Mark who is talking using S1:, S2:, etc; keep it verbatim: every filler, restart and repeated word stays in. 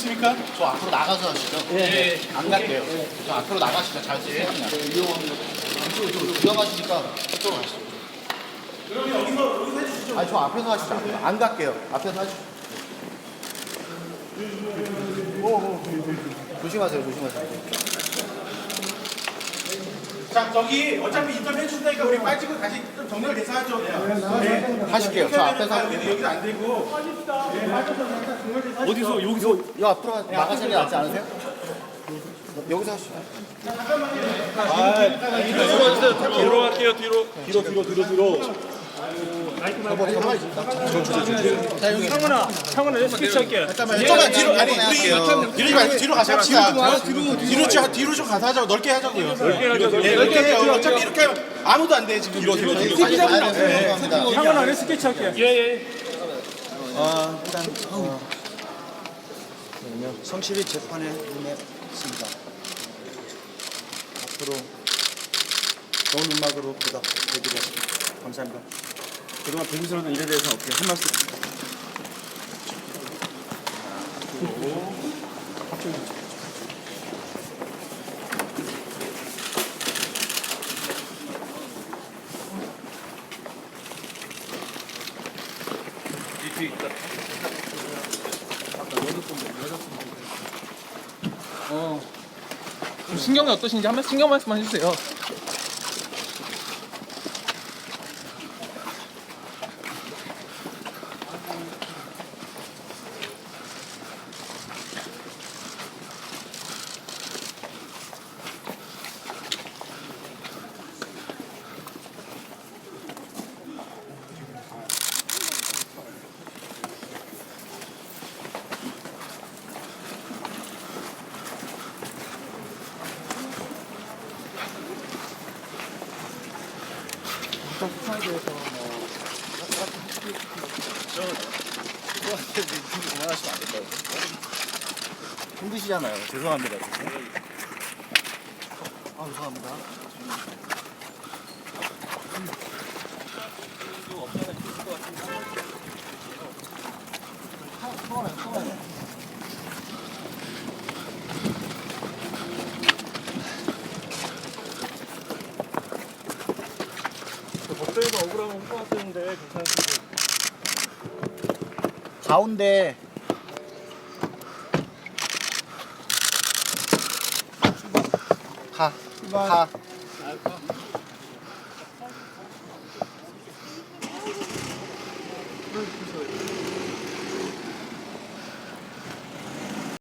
S1: 하시겠습니까?
S2: 저 앞으로 나가서 하시죠.
S1: 예.
S2: 안 갈게요. 저 앞으로 나가시죠. 잘 쓰세요. 위험합니다. 이쪽으로 들어가시니까 저쪽으로 가시죠.
S1: 그러면 여기서 여기서 해주시죠.
S2: 아니 저 앞에서 하시죠. 안 갈게요. 앞에서 하시죠. 조심하세요. 조심하세요.
S1: 자, 저기 어차피 인터뷰 해준다니까 우리 빠지고 다시 좀 정렬 돼서 하죠. 네.
S2: 하실게요. 저 앞에서
S1: 여기도
S2: 할게요.
S1: 여기도 안 되고. 네, 빠져서 잠깐 정렬 돼서 하시죠.
S3: 어디서 여기서
S2: 요 앞으로 가- 나가시는 게 낫지 않으세요? 여기서 하시죠.
S3: 뒤로 갈게요. 뒤로 뒤로 뒤로 뒤로 뒤로.
S4: 형은아, 형은아, 스케치 할게.
S1: 잠깐만 뒤로 아니 우리 뒤로 가 뒤로 가서 합시다. 뒤로 뒤로 좀 뒤로 좀 가서 하자고 넓게 하자고요. 넓게 하자. 네, 넓게 해요. 어차피 이렇게 하면 아무도 안 돼 지금. 뒤로 뒤로 뒤로.
S2: 빨리 가야 돼요. 죄송합니다.
S4: 형은아, 내 스케치 할게.
S3: 예 예.
S5: 어, 일단 어, 그러면 성실히 재판에 임했습니다. 앞으로 좋은 음악으로 보답해드리겠습니다. 감사합니다.
S3: 그동안 불미스러운 일에 대해서 어떻게 한 말씀?
S6: 어. 신경이 어떠신지 한 번 신경 말씀 해주세요.
S2: 그거한테 그만하시면 안 될까요? 힘드시잖아요. 죄송합니다. 아, 죄송합니다.
S3: 법정에서 억울하면 혼동하시는데 괜찮으신지.
S2: 가운데 가. 가.